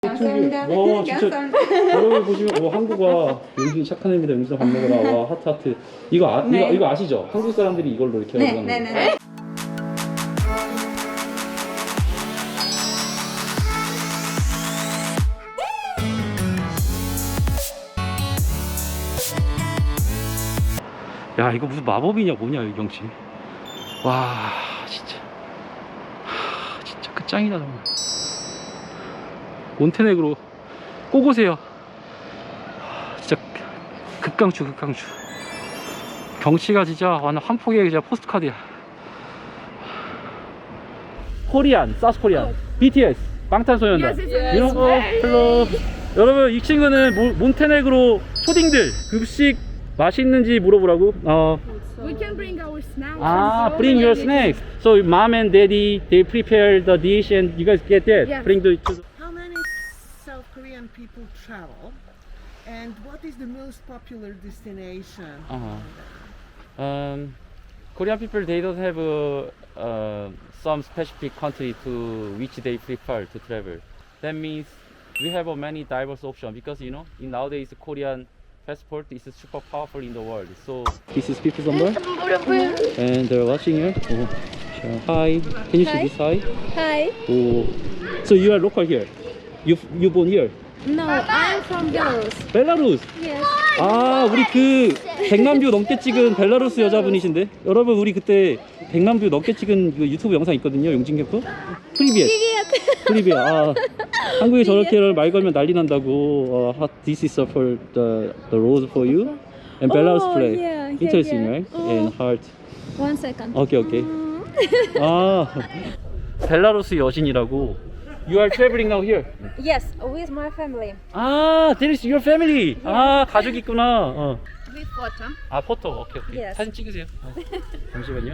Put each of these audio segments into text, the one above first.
감사합니다. 와 진짜 감사합니다. 여러분 보시면 와 한국어 용진 착한 애입니다. 용진 밥 먹으라. 와 하트 하트. 이거 네. 이거 아시죠? 한국 사람들이 이걸로 이렇게 네, 하고 가는 네, 거. 네, 네. 야 이거 무슨 마법이냐 뭐냐 이 경치. 와 진짜 진짜 끝장이다 정말. 몬테네그로 꼭 오세요. 진짜 극강추 극강추. 경치가 진짜 완전 한 폭의 진짜 포스트카드야. 코리안, 사우스 코리안, BTS, 방탄소년단. 이런 거 별로. 여러분 이 친구는 몬테네그로 초딩들 급식 맛있는지 물어보라고. We can bring our snacks. Bring your snacks. So mom and daddy they prepare the dish and you guys get that. Yes. Bring the. How many South Korean people travel? And what is the most popular destination? Korean people they don't have some specific country to which they prefer to travel. That means we have a many diverse options because you know in nowadays Korean passport is super powerful in the world. So this is people's number and they're watching here. Oh, sure. Hi, can you see this? Hi. Hi. Oh, so you are local here. You born here. No, I'm from Belarus. 벨라루스. Yes. 아 우리 그 100만 뷰 넘게 찍은 벨라루스 여자분이신데 여러분 우리 그때 100만 뷰 넘게 찍은 그 유튜브 영상 있거든요 용진 캠프. 프리비엣. 프리비엣. 아 한국에 저렇게 말 걸면 난리 난다고. This is for the rose for you and Belarus flag. Yeah, Interesting, yeah. right? And heart. 1 second. 오케이. 아 벨라루스 여신이라고. You are traveling now here. Yes, with my family. 아, that is your family. 아, 가족 있구나. With photo. 아, 포토. 오케이. Yes. 사진 찍으세요. 잠시만요.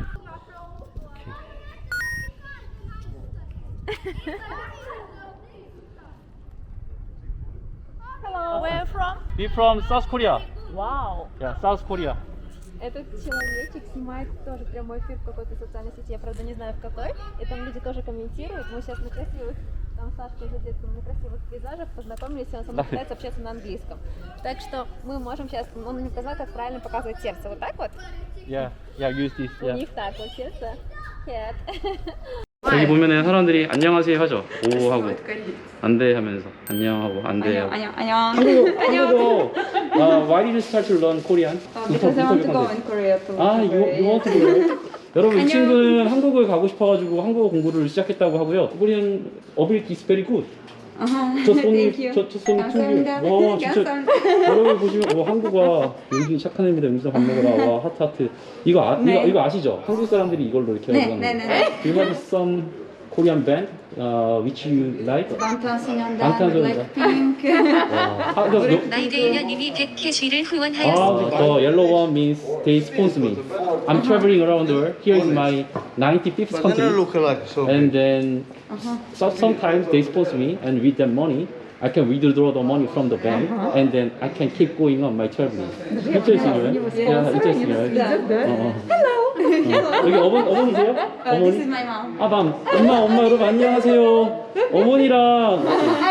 Hello, where from? We from South Korea. Wow. Yeah, South Korea. Этот человечек снимает тоже прямой эфир в какой-то социальной сети, я правда не знаю в какой, и там люди тоже комментируют. Мы сейчас на красивых, там Сашка уже детском, на красивых пейзажах познакомились, и он со мной пытается общаться на английском. Так что мы можем сейчас, он мне показал, как правильно показывать сердце. Вот так вот? Yeah, use this. У них так вот сердце. Head. 여기 보면은 사람들이 안녕하세요 하죠. 오 하고 안돼 하면서 안녕하고 안돼 하고. 한국어. Why did you start to learn Korean? Because I want to go in Korea to you want to go? 여러분 이 친구는 한국을 가고 싶어가지고 한국어 공부를 시작했다고 하고요. Korean ability is very good. Just only Thank you. just only 2 감사합니다. years. 와 진짜 감사합니다. 여러분 보시면 와 한국어 용진 착한 애입니다. 용진 밥 먹으라. 와 하트 하트. 네. 이거 아시죠? 한국 사람들이 이걸로 이렇게 네, 하고 가는 네, 거. 네, 네. Do you have some Korean band which you like? 방탄소년단, 방탄소년단. 블랙핑크. 나이데이녀님이 100캐시를 후원하였습니다. The yellow one means they sponsor me. I'm traveling around the world. Here is my 95th country. And then sometimes they sponsor me, and with that money, I can withdraw the money from the bank, and then I can keep going on my traveling. Interesting, right? Yeah, interesting, right? 여기 어머니세요? This is my mom. 엄마 여러분 안녕하세요. 어머니랑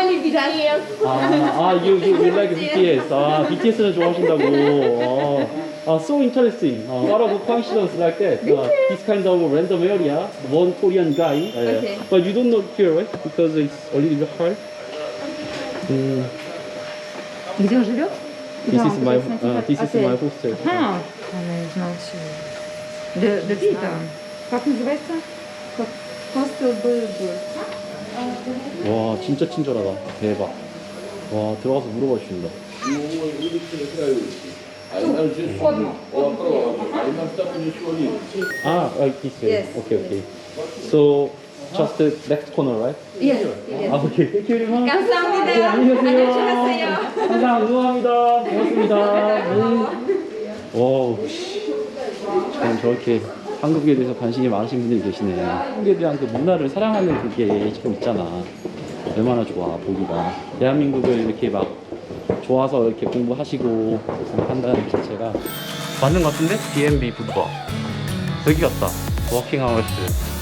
you like BTS. BTS는 좋아하신다고. So interesting. A lot of coincidence like that. This kind of random area, one Korean guy. Okay. But you don't know here, right? Because it's a little bit hard. Где он живет? This is my hostel. Она не знала сегодня. Да, Пита. Как называется? Hostel Burger. 와 진짜 친절하다. 대박. 와 들어가서 물어봐 주신다. Like this. Yes. Okay. So just the next corner, right? Yes. 오케이. Thank you very much. 감사합니다. 안녕히 계세요. 안녕하세요. 항상 응원합니다. 고맙습니다. 와, 참 저렇게 한국에 대해서 관심이 많으신 분들이 계시네. 한국에 대한 그 문화를 사랑하는 그게 지금 있잖아. 얼마나 좋아 보기가. 대한민국을 이렇게 막 좋아서 이렇게 공부하시고 한다는 그 자체가 맞는 것 같은데? B&B 붓바 여기 같다. 워킹 아워스.